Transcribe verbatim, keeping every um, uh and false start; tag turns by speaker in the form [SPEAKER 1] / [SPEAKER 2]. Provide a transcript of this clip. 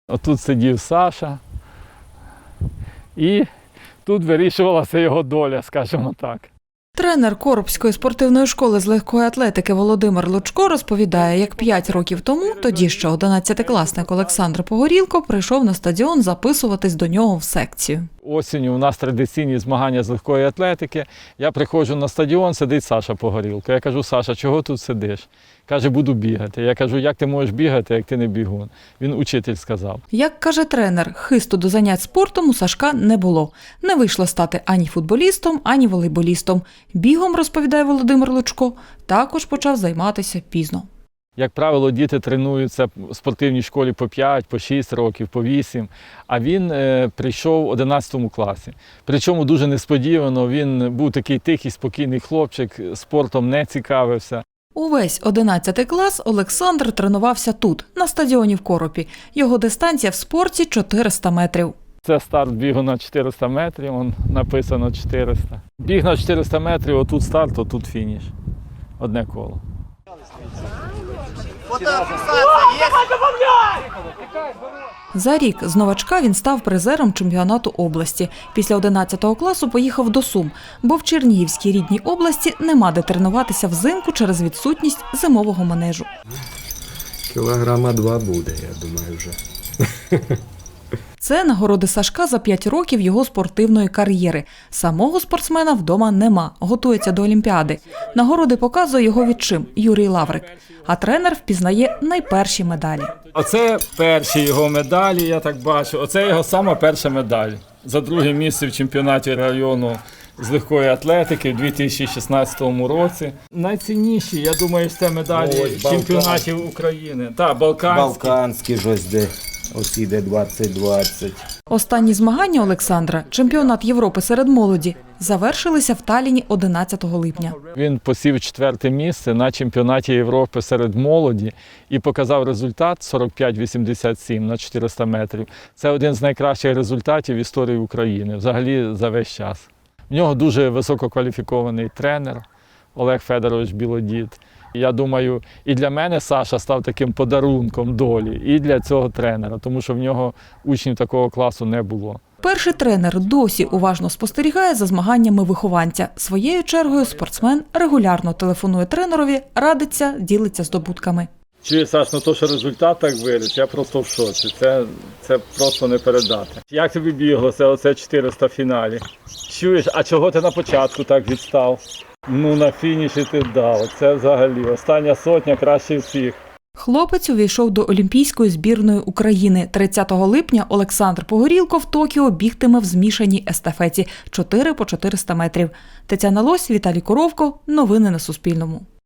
[SPEAKER 1] Отут сидів Саша, і тут вирішувалася його доля, скажімо так.
[SPEAKER 2] Тренер Коробської спортивної школи з легкої атлетики Володимир Лучко розповідає, як п'ять років тому, тоді ще одинадцятикласник Олександр Погорілко прийшов на стадіон записуватись до нього в секцію.
[SPEAKER 1] Осінню у нас традиційні змагання з легкої атлетики. Я приходжу на стадіон, сидить Саша Погорілко. Я кажу: Саша, чого тут сидиш? Каже: буду бігати. Я кажу: як ти можеш бігати, як ти не бігун? Він учитель сказав.
[SPEAKER 2] Як каже тренер, хисту до занять спортом у Сашка не було. Не вийшло стати ані футболістом, ані волейболістом. Бігом, розповідає Володимир Лучко, також почав займатися пізно.
[SPEAKER 1] Як правило, діти тренуються в спортивній школі по п'ять, по шість років, по вісім, а він е, прийшов в одинадцятому класі. Причому дуже несподівано, він був такий тихий, спокійний хлопчик, спортом не цікавився.
[SPEAKER 2] Увесь одинадцятий клас Олександр тренувався тут, на стадіоні в Коропі. Його дистанція в спорті – чотириста метрів.
[SPEAKER 1] Це старт бігу на чотириста метрів, он написано чотириста. Біг на чотириста метрів, отут старт, отут фініш. Одне коло.
[SPEAKER 2] За рік з новачка він став призером чемпіонату області. Після одинадцятого класу поїхав до Сум, бо в Чернігівській рідній області нема де тренуватися взимку через відсутність зимового манежу.
[SPEAKER 3] Кілограма два буде, я думаю, вже.
[SPEAKER 2] Це нагороди Сашка за п'ять років його спортивної кар'єри. Самого спортсмена вдома нема, готується до Олімпіади. Нагороди показує його відчим Юрій Лаврик. А тренер впізнає найперші медалі.
[SPEAKER 1] Оце перші його медалі, я так бачу. Оце його сама перша медаль. За друге місце в чемпіонаті району з легкої атлетики в дві тисячі шістнадцятому році. Найцінніші, я думаю, це медалі
[SPEAKER 3] Ось,
[SPEAKER 1] чемпіонатів України. Так, балканські.
[SPEAKER 3] Балканські ж ось де, ось іде двадцять двадцять.
[SPEAKER 2] Останні змагання Олександра, чемпіонат Європи серед молоді, завершилися в Талліні одинадцятого липня.
[SPEAKER 1] Він посів четверте місце на чемпіонаті Європи серед молоді і показав результат сорок п'ять вісімдесят сім на чотириста метрів. Це один з найкращих результатів в історії України, взагалі за весь час. В нього дуже висококваліфікований тренер Олег Федорович Білодід. Я думаю, і для мене Саша став таким подарунком долі, і для цього тренера, тому що в нього учнів такого класу не було.
[SPEAKER 2] Перший тренер досі уважно спостерігає за змаганнями вихованця. Своєю чергою спортсмен регулярно телефонує тренерові, радиться, ділиться здобутками.
[SPEAKER 1] Чує, Саш, ну то, що результат так виріс, я просто в шоці. Це, це просто не передати. Як тобі біглося оце чотириста в фіналі? Чуєш, а чого ти на початку так відстав? Ну, на фініші ти дав. Це взагалі остання сотня краще всіх.
[SPEAKER 2] Хлопець увійшов до Олімпійської збірної України. тридцятого липня Олександр Погорілко в Токіо бігтиме в змішаній естафеті чотири по чотириста метрів. Тетяна Лось, Віталій Коровко. Новини на Суспільному.